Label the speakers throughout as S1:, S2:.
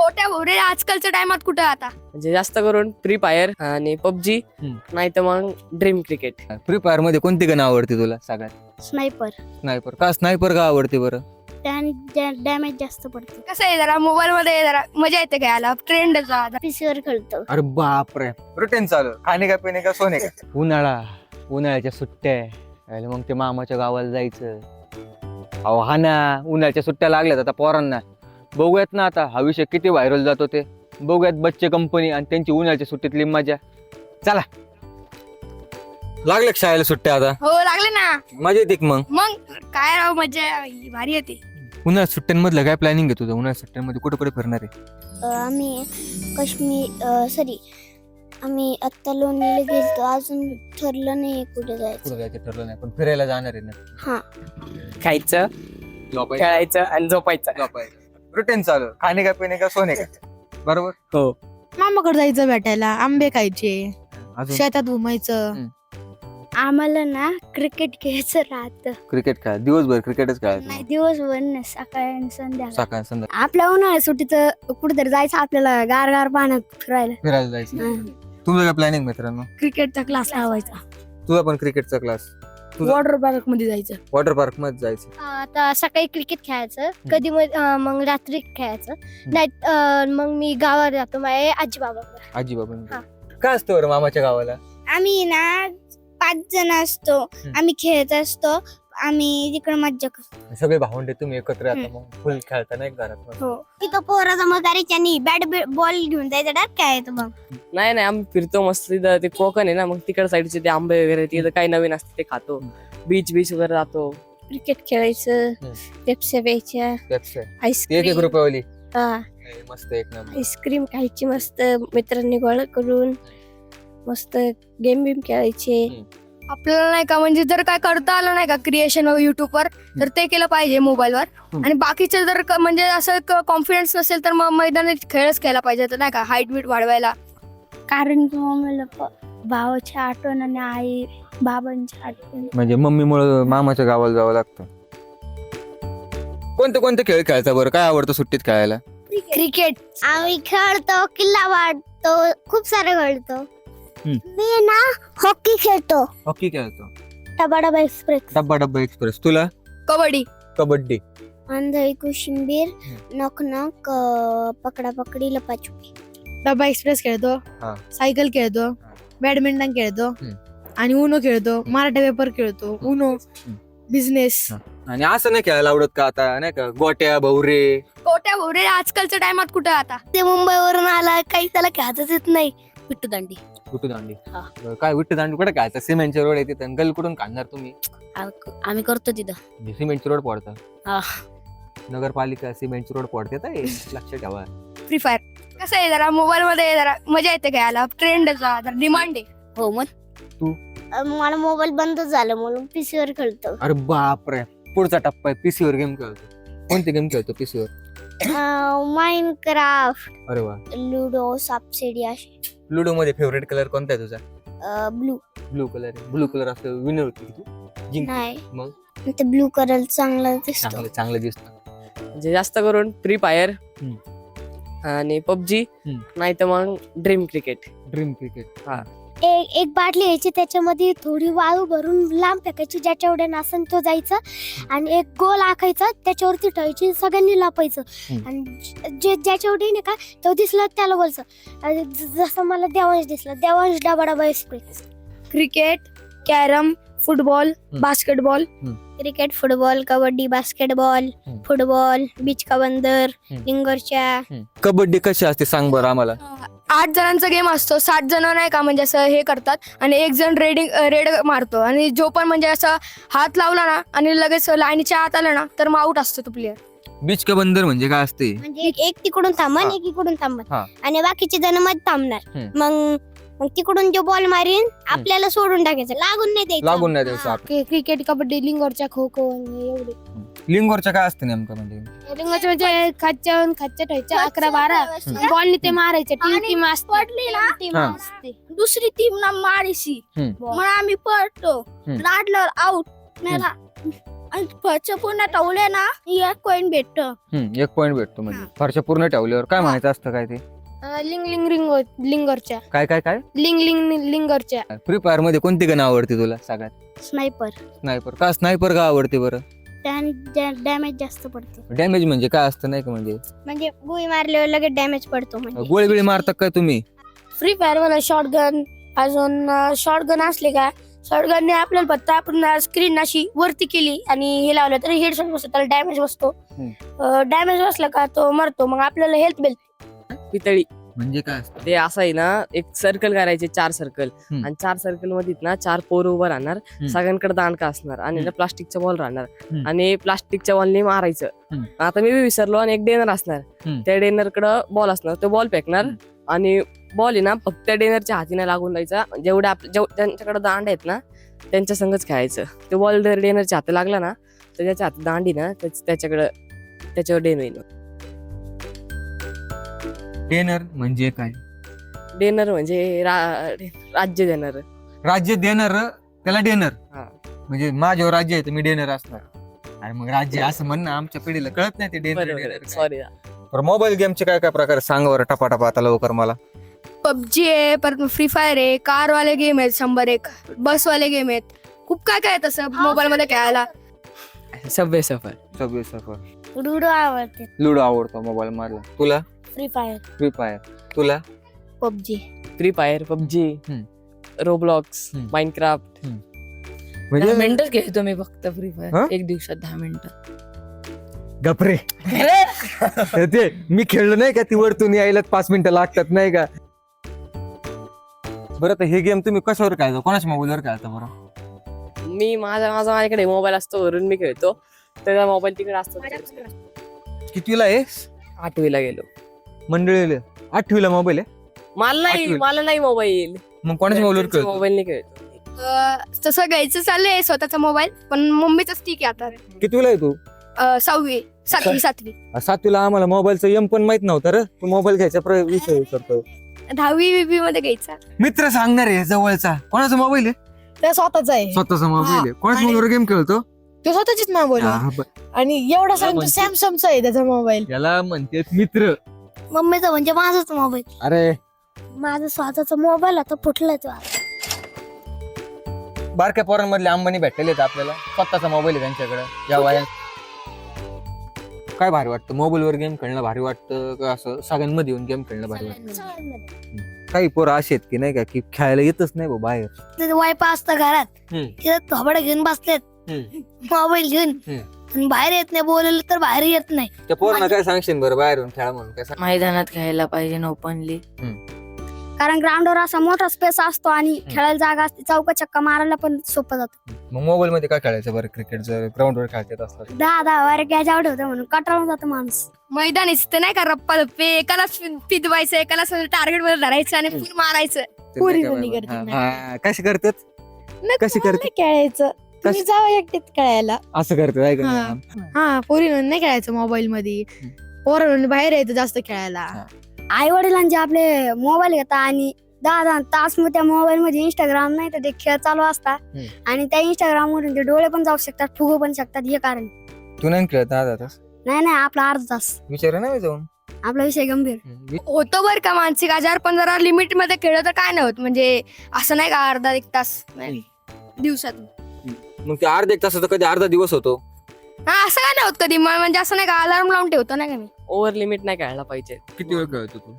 S1: गोट्या भोवरे आजकालच्या टायमात कुठं आता
S2: म्हणजे जास्त करून फ्री फायर आणि पबजी नाही तर मग ड्रीम क्रिकेट.
S3: फ्री फायर मध्ये कोणती गण आवडते तुला सगळ्यात?
S4: स्नायपर.
S3: स्नायपर का? स्नायपर का आवडते बरं?
S4: त्याने डॅमेज जास्त पडते.
S1: कसं आहे जरा मोबाईल मध्ये जरा मजा येते खेळायला, ट्रेंड
S4: पीसीवर खेळतो.
S3: अरे बापरे, रुटीन चालू. खाणे का पिणे का सोने का? उन्हाळ्याच्या सुट्ट्या आहे. मग ते मामाच्या गावाला जायचं. अहो हा ना, उन्हाळ्याच्या सुट्ट्या लागल्यात आता पोरांना. बघूयात ना आता हा विषय किती व्हायरल जातो ते. बघूयात बच्चे कंपनी आणि त्यांची उन्हाळ्याच्या सुट्टीतली मजा. चला, लागले शाळेला सुट्ट्या आता?
S1: हो लागले ना.
S3: मजा येते मग?
S1: मग काय राव, मजा भारी येते.
S3: उन्हाळ्यात सुट्ट्यांमधलं काय प्लॅनिंग आहे तुझं? उन्हाळ्यात सुट्ट्यांमध्ये कुठे कुठे फिरणार आहे?
S4: आम्ही आम्ही आत्ता लोणीला गेलतो, अजून ठरलं नाही कुठे जायचं.
S3: कुठे जायचं ठरलं नाही, पण फिरायला जाणार आहे ना.
S4: हा,
S2: खायचं, खेळायचं आणि झोपायचं.
S3: रुटीन चालू. खाणे का पिणे का सोने का? बरोबर.
S2: हो.
S5: मामाकडे जायचं भेटायला, आंबे खायचे,
S3: अजून
S5: शेतात घुमायचं.
S4: आम्हाला ना क्रिकेट खेळायचं राहतं.
S3: क्रिकेट खेळा, दिवसभर क्रिकेटच
S4: नाही,
S3: खेळायचं.
S4: दिवसभर नाही, सकाळी आणि संध्याकाळी.
S3: सकाळ संध्याकाळ
S4: आपल्या उन्हाळ्यात सुट्टीत कुठेतरी जायचं आपल्याला, गार गार पाण्यात फिरायला.
S3: फिरायला जायचं. तुझं काय प्लॅनिंग मित्रांनो?
S5: क्रिकेटचा क्लास लावायचा,
S3: तुझा पण क्रिकेटचा क्लास? तुझं?
S5: वॉटर पार्क मध्ये जायचं.
S3: वॉटर पार्क मध्ये जायचं.
S4: आता सकाळी क्रिकेट खेळायचं, कधी मग रात्री खेळायचं. नाही मग मी गावात जातो माझ्या आजी बाबाकडे.
S3: आजी बाबा
S4: हा.
S3: काय असतं बरं मामाच्या गावाला?
S4: आम्ही ना 5 जण असतो, आम्ही खेळत असतो, आम्ही तिकडे मज्जा करतो.
S3: सगळे भावंडे तुम्ही एकत्र येता, मग फुल खेळता नाही घरात?
S4: हो, तिथं पोरा जमा करायची आणि बॅट बॉल घेऊन जायचं, डायरेक्ट खेळायचं. मग
S2: नाही आम्ही फिरतो मस्त. तिथं ते कोकण आहे ना, मग तिकड साईडचे ते आंबे वगैरे तिथं काही नवीन असते ते खातो. बीच वगैरे जातो.
S4: क्रिकेट खेळायचं, पेप्स्या प्यायच्या,
S3: एक
S4: आईस्क्रीम
S3: रुपयावाली मस्त एक नंबर.
S4: आईस्क्रीम खायची मस्त, मित्रांनी गोळा करून मस्त गेम बिम खेळायचे.
S1: आपल्याला नाही का, म्हणजे जर काय करता आलं नाही का क्रिएशन युट्यूब वर, तर ते केलं पाहिजे मोबाईल वर. आणि बाकीचे जर म्हणजे असं कॉन्फिडन्स नसेल तर मग मैदानी खेळच खेळला पाहिजे, तर नाही का हाईट बीट वाढवायला.
S4: कारण की मम्मीला भावाची आठवण आणि आई बाबांची आठवण.
S3: म्हणजे मम्मीमुळे मामाच्या गावाला जावं लागतं. कोणते खेळ खेळता बरं? काय आवडतं सुट्टीत खेळायला?
S4: क्रिकेट आम्ही खेळतो, किल्ला वाढतो, खूप सारे खेळतो. मी ना हॉकी खेळतो,
S3: हॉकी खेळतो.
S4: डबा एक्सप्रेस,
S3: डब्बा एक्सप्रेस. तुला?
S1: कबड्डी.
S3: कबड्डी.
S4: आंधळी कोशिंबीर, नॉक नॉक, पकडा पकडी, लपाछुपी.
S5: डबा एक्सप्रेस खेळतो,
S3: हा.
S5: सायकल खेळतो, बॅडमिंटन खेळतो आणि उनो खेळतो, मराठा पेपर खेळतो, उनो, बिझनेस.
S3: आणि असं नाही खेळायला आवडत का आता? नाही का गोट्या भवरे?
S1: गोट्या भोवरे आजकालच्या टायमात कुठं आता.
S4: ते मुंबईवरून आला, काही त्याला खेळताच येत नाही. विट्टू दांडी.
S3: विट्टूदांडी. काय विट्टूदांडी कुठे खेळायचं? सिमेंटचे रोड आहे तिथं, गल कुठून काढणार तुम्ही?
S4: आम्ही करतो तिथं.
S3: सिमेंटचे रोड पडतात.
S4: हा.
S3: नगरपालिका सिमेंटचे रोड पडते, लक्ष ठेवा.
S1: फ्री फायर कसं आहे जरा मोबाईल मध्ये जरा मजा येते खेळायला, ट्रेंड डिमांड आहे.
S4: हो, मग
S3: तू?
S4: मला मोबाईल बंद झाला म्हणून पीसीवर खेळतो.
S3: अरे बापरे, पुढचा टप्पा आहे. पीसीवर गेम खेळतो. कोणते गेम खेळतो पीसीवर?
S4: माइनक्राफ्ट,
S3: अरे वा.
S4: लुडो, सापशिडी असे.
S3: लुडो मध्ये फेवरेट कलर कोणता आहे तुझा?
S4: Blue.
S3: Blue colour. Blue colour असं विनर होती तू जिंक.
S4: नाही,
S3: मग
S4: ते ब्लू कलर चांगला दिसतो.
S3: चांगलं दिसतं.
S2: म्हणजे जास्त करून फ्री फायर आणि पबजी नाही तर मग ड्रीम क्रिकेट.
S3: Dream cricket. हा.
S4: एक बाटली घ्यायची, त्याच्यामध्ये थोडी वाळू भरून लांब फेकायची, ज्याच्या एवढ्या नासन तो जायचा, आणि एक गोल आखायचा, त्याच्यावरती ठेवायची, सगळ्यांनी लापायचं. आणि ज्याच्या एवढे नाही का तो दिसला त्याला बोलचं. आणि जसं मला देवांश दिसला, देवांश डबा express.
S1: Cricket, carrom, football, basketball.
S4: Cricket, football, kabaddi, basketball, football, बीच का बंदर, लिंगोरच्या.
S3: कबड्डी कशी असते सांग बरं आम्हाला.
S1: 8 जणांचा गेम असतो. 7 जण नाही का म्हणजे असं हे करतात, आणि एक जण रेड मारतो, आणि जो पण म्हणजे असं हात लावला ना आणि लगेच लाईनीच्या आत आला ना तर मग आउट असतो तो प्लेअर.
S3: बीच का बंदर म्हणजे काय असते?
S4: म्हणजे एक तिकडून थांबन, एक इकडून थांबन, आणि बाकीचे जण मध्ये थांबणार. मग तिकडून जो बॉल मारीन आपल्याला सोडून टाकायचं, लागून नाही द्यायचं.
S5: क्रिकेट, कबड्डी, लिंगोरच्या, खो खो एवढे.
S3: लिंगोरच्या काय असते नेमकं म्हणजे?
S5: लिंगोरच्या म्हणजे खाच्या ठेवायच्या 11-12 बॉलनी ते मारायचे. टीम
S1: पडली ना दुसरी टीम ना मारीशी, मग आम्ही पडतो, लाडल्यावर आउट.
S4: आणि फळच्या पूर्ण टवले ना 1 कॉईन भेटत.
S3: 1 पॉईंट भेटतो म्हणजे फारशा पूर्ण ठेवल्यावर काय म्हणायचं असतं काय ते
S5: लिंग लिंग रिंग लिंगरच्या
S3: काय काय काय
S5: लिंग लिंग लिंगरच्या.
S3: फ्री फायर मध्ये कोणती गन आवडते तुला सगळ्यात?
S4: स्नायपर.
S3: स्नायपर का? स्नायपर का आवडते बरं?
S4: त्याने डॅमेज जास्त पडते.
S3: डॅमेज म्हणजे काय असतं नाही का? म्हणजे
S4: गोळी मारल्यावर लगेच डॅमेज पडतो. म्हणजे
S3: गोळी बिळी मारता काय तुम्ही?
S5: फ्री फायर मध्ये शॉटगन, अजून शॉटगन असले का शॉटगनने आपल्याला फक्त आपण स्क्रीन अशी वरती केली आणि हे लावलं तर हेडशॉट बसतो, त्याला डॅमेज बसतो. डॅमेज बसला का तो मरतो. मग आपल्याला हेल्थ बेल्ट.
S2: पितळी
S3: म्हणजे काय असतं?
S2: ते असं आहे ना, एक सर्कल करायचे 4 सर्कल आणि 4 सर्कल मध्ये ना 4 पोरं उभं राहणार. सगळ्यांकडे दांडका असणार आणि प्लास्टिकचा बॉल राहणार आणि प्लास्टिकच्या बॉलने मारायचं. आता मी विसरलो. आणि एक डेनर असणार, त्या डेनर कडे बॉल असणार, तो बॉल फेकणार आणि बॉल आहे ना फक्त डेनरच्या हातीने लागून द्यायचा. जेवढ्या त्यांच्याकडे दांड आहेत ना त्यांच्या संगच खेळायचं. तो बॉल जर डेनरच्या हाती लागला ना तर त्याच्या हाती दांडी ना त्याच्यावर डेन होईल.
S3: डेनर म्हणजे काय?
S2: डेनर म्हणजे राज्य देणार.
S3: राज्य देणार त्याला डेनर.
S2: हा.
S3: म्हणजे माझ्यावर राज्य आहे तर मी डेनर असणार. अरे मग राज्य असं म्हणणं आमच्या पिढीला कळत नाही ते डेनर.
S2: सॉरी.
S3: मोबाईल गेमचे काय काय प्रकार सांग बरं टपाटपा आता लवकर मला.
S1: पबजी आहे, परत फ्री फायर आहे, कार वाले गेम आहेत 101, बस वाले गेम आहेत. खूप काय काय तसं मोबाईल मध्ये खेळायला.
S2: सबवे सफर.
S3: सबवे सफर.
S4: लुडो आवडते.
S3: लुडो आवडतो मोबाईल मधला. तुला?
S4: Free fire.
S3: Free fire. तुला?
S4: PUBG.
S2: Free fire, PUBG, Roblox, Minecraft.
S3: म्हणजे
S5: मिनिटच खेळतो मी फक्त फ्री
S3: हा?
S5: फायर. एक दिवसात 10 मिनिटं.
S3: गपरे. ते मी खेळलो नाही का ती वरतून यायला 5 मिनिटं लागतात नाही का? बरं तर हे गेम तुम्ही कशावर खेळता? कोणाच्या मोबाईलवर खेळता बरं?
S2: मी माझ्याकडे मोबाईल असतो वरून मी खेळतो. त्याचा मोबाईल तिकडे असतो.
S3: कितवीला आहे?
S2: 8वीला गेलो.
S3: मंडळीला 8वीला मोबाईल आहे? आठवीला.
S2: मला नाही मोबाईल.
S3: मग कोणाच्या मोबाईलवर खेळतो?
S2: मोबाईल नाही खेळतो.
S1: तसं घ्यायचं चाललंय स्वतःचा मोबाईल, पण मम्मीच ठीक आहे आता.
S3: कितवीला आहे तू?
S1: 6वी 7वी
S3: 7वीला आम्हाला मोबाईलचं एम पण माहित नव्हतं रे. तू मोबाईल घ्यायचा विषय करतो.
S1: 10वी बीबी मध्ये घ्यायचा.
S3: मित्र सांगणार आहे जवळचा. कोणाचा मोबाईल आहे?
S5: ते स्वतःच आहे.
S3: स्वतःचा मोबाईल आहे. कोणाच्या
S5: आणि-
S3: मोबाईलवर गेम खेळतो?
S5: तो स्वतःचीच मोबाईल आहे. आणि एवढा सांगतो
S3: म्हणजे-
S5: सॅमसंगचा आहे त्याचा मोबाईल.
S3: याला म्हणते मित्र.
S4: मम्मीचा म्हणजे माझाच मोबाईल.
S3: अरे
S4: माझा स्वतःचा मोबाईल आता फुटलाच.
S3: बारक्या पोरांमधले अंबानी भेटलेले आहेत आपल्याला. स्वतःचा मोबाईल आहे त्यांच्याकडे या वयात. काय भारी वाटतं? मोबाईलवर गेम खेळणं भारी वाटतं का असं सगळ्यांमध्ये येऊन गेम खेळणं भारी वाटतं? काही पोरं असे आहेत की नाही का की खेळायला येतच नाही भाऊ बाहेर.
S4: वायफाय असतं घरात,
S3: हम्म.
S4: तिथं थोबडं घेऊन बसलेत मोबाईल घेऊन. आणि बाहेर येत नाही, बोलवलं तर बाहेर येत नाही.
S3: त्या पोरांना काय सांगशील बरं बाहेरून खेळा म्हणून? काय सांग?
S5: मैदानात खेळायला पाहिजे ओपनली.
S4: कारण ग्राउंडवर असा मोठा स्पेस असतो आणि खेळायला जागा असते. चौका चक्का मारायला पण सोपं जातं.
S3: मग मोबाईल मध्ये काय खेळायचं बरं? क्रिकेट जर ग्राउंडवर खेळतात असतात
S4: 10 वर गॅज आउट होतं म्हणून कटाळून जातो माणूस.
S1: मैदान इथं नाही का रप्पा रप्पे, एकालाच पिदवायचं, एकालाच टार्गेट मध्ये धरायचं आणि फुल मारायचं.
S5: पुरी मुली करतात.
S3: कशी करतात? कशी करते?
S5: नाही खेळायचं. तुम्ही जावा एकटीत खेळायला.
S3: असं करतात आहे का?
S5: हा पोरी नाही खेळायचं मोबाईल मध्ये. पोरं बाहेर यायचं जास्त खेळायला.
S4: आई वडिलांचे आपले मोबाईल घेतात आणि 10 तास मग त्या मोबाईल मध्ये इंस्टाग्राम नाही तर ते खेळ चालू असतात. आणि त्या इंस्टाग्राम वरून ते डोळे पण जाऊ शकतात, फुगू पण शकतात. हे कारण
S3: तू नाही खेळत अर्धा तास?
S4: नाही आपला अर्धा तास.
S3: विचार ना मी जाऊन.
S4: आपला विषय गंभीर.
S1: होतं बरं का मानसिक आजार, पण जरा लिमिट मध्ये खेळलं तर काय नाही होत. म्हणजे असं नाही का अर्धा 1 तास दिवसात.
S3: मग ते अर्धा 1 तासाचा कधी अर्धा दिवस होतो.
S1: हा असं काय नाही होत कधी. म्हणजे असं नाही का अलार्म लावून ठेवतो नाही का मी.
S2: ओव्हर लिमिट नाही खेळायला पाहिजे.
S3: किती वेळ खेळतो तू?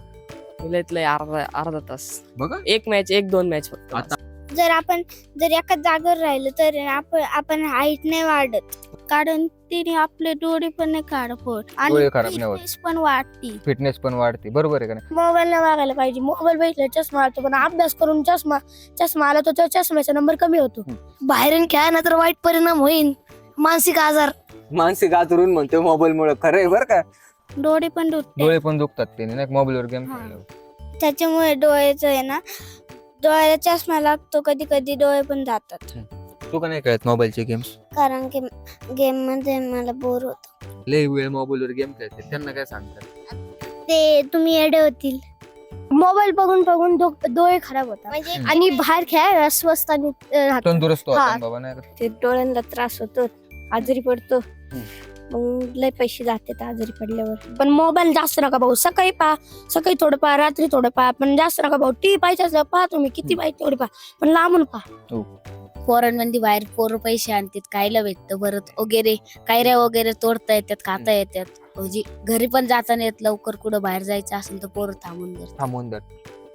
S2: अर्धा तास.
S3: बघा
S2: 1-2 मॅच फक्त.
S3: आता
S4: जर एकाच जागेवर राहिलो तर आपण हाईट नाही वाढत. कारण तिने आपले डोळे पण नाही काढत
S3: डोळे खराब नाही होत.
S4: fitness पण वाढती.
S3: फिटनेस पण वाढते. बरोबर आहे का नाही?
S4: मोबाईल नाही वागायला पाहिजे. मोबाईल भेटला चष्मा आला पण अभ्यास करून चष्मा आला तर चष्म्याचा नंबर कमी होतो. बाहेरून खेळा तर वाईट परिणाम होईल. मानसिक आजार,
S3: मानसिक आतरून म्हणतो मोबाईल मुळे. खरं आहे बरं का?
S4: डोळे पण दुखते.
S3: डोळे पण दुखतात त्याने नाही मोबाईलवर गेम खेळल्यावर.
S4: त्याच्यामुळे डोळ्याचं आहे ना, डोळ्याला चष्मा लागतो. कधी कधी डोळे पण जातात.
S3: तू का नाही खेळत मोबाईलचे गेम्स?
S4: कारण की गेम मध्ये मला बोर होतो.
S3: लय वेळ मोबाईलवर गेम खेळते त्यांना काय सांगतात?
S4: ते तुम्ही येडे होतील. मोबाईल बघून बघून डोळे खराब होतात. म्हणजे आणि बाहेर खेळायला स्वस्त आणि राहतं.
S3: तंदुरुस्त
S4: हा.
S3: होतात बाबा नाही का?
S4: ते डोळ्यांना त्रास होतो.
S5: आजारी पडतो मग लय पैसे जातात आजारी पडल्यावर. पण मोबाईल जास्त नका भाऊ. सकाळी थोडं पहा, रात्री थोडं पहा, पण जास्त नका भाऊ. टी पाहिजे असलं पहा तुम्ही, किती पाहिजे तेवढी पहा, पण लांबून पहा.
S6: पोरांमध्ये बाहेर पोरं पैसे आणतात, खायला भेटतं परत वगैरे, कैऱ्या वगैरे तोडता येतात, खाता येतात. म्हणजे घरी पण जाता नाही येत लवकर, कुठं बाहेर जायचं असेल तर पोरं थांबून जातात.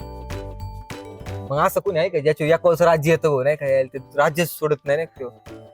S3: मग असं कोणी आहे का ज्याच्या एकाच राज्य येतं हो, नाही का ते राज्य सोडत नाही ना.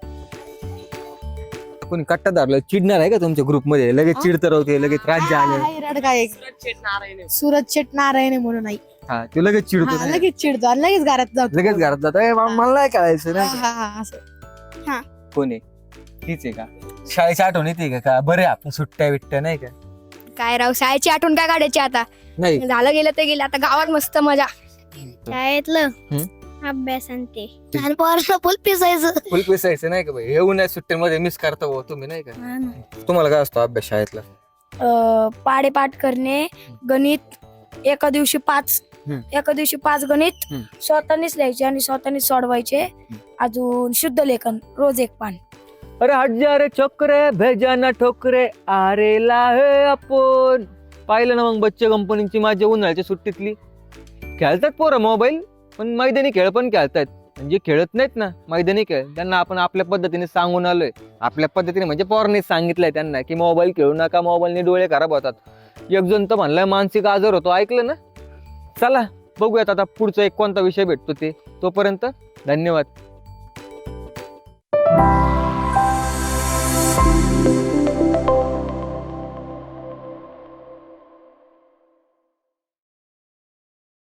S3: कोणी कट्टा धरलं चिडणार आहे का तुमच्या ग्रुपमध्ये? लगेच चिडत राहते, लगेच राज्य आले.
S7: काय
S2: नारायण
S7: सूरज शेट नारायण म्हणून नाही.
S3: हा तो लगेच चिडतो ना.
S7: लगेच चिडतो आणि लगेच घरात जातो.
S3: लगेच घरात जातो. मला नाही कळायचं
S7: हा,
S3: ना.
S7: हा, हा, असं.
S3: कोणी तीच आहे का? शाळेची आठवण येते का? बरे आपण सुट्ट्या बिट्ट्या नाही का?
S1: काय राव, शाळेची आठवण काय काढायची आता?
S3: नाही
S1: झालं गेलं ते गेलं, आता गावात मस्त मजा.
S4: शाळेतलं अभ्यास आणि ते आणि पोरांना फुल पिसायचं.
S3: फुल पिसायचं नाही का भाई? हे उन्हाळ्यात सुट्ट्यांमध्ये मिस करता हो तुम्ही नाही का? तुम्हाला काय असतो अभ्यास शाळेतला?
S5: पाडेपाठ करणे, गणित एका दिवशी 5 गणित स्वतःनीच लिहायचे आणि स्वतःनीच सोडवायचे. अजून शुद्ध लेखन रोज 1 पान.
S3: अरे हट जा रे छोकरे, भेजा ना ठोकरे, अरे लाहे आपण. पाहिलं ना मग बच्चे कंपनीची माझ्या उन्हाळ्याच्या सुट्टीतली. खेळतात पोरं मोबाईल, पण मैदानी खेळ पण खेळतात. म्हणजे खेळत नाहीत ना मैदानी खेळ, त्यांना आपण आपल्या पद्धतीने सांगून आलोय. आपल्या पद्धतीने म्हणजे पोरांनीच सांगितलंय त्यांना की मोबाईल खेळू नका, मोबाईलने डोळे खराब होतात. एक जण तर म्हणलाय मानसिक आजार होतो, ऐकलं ना? चला बघूयात आता पुढचा एक कोणता विषय भेटतो ते. तोपर्यंत धन्यवाद.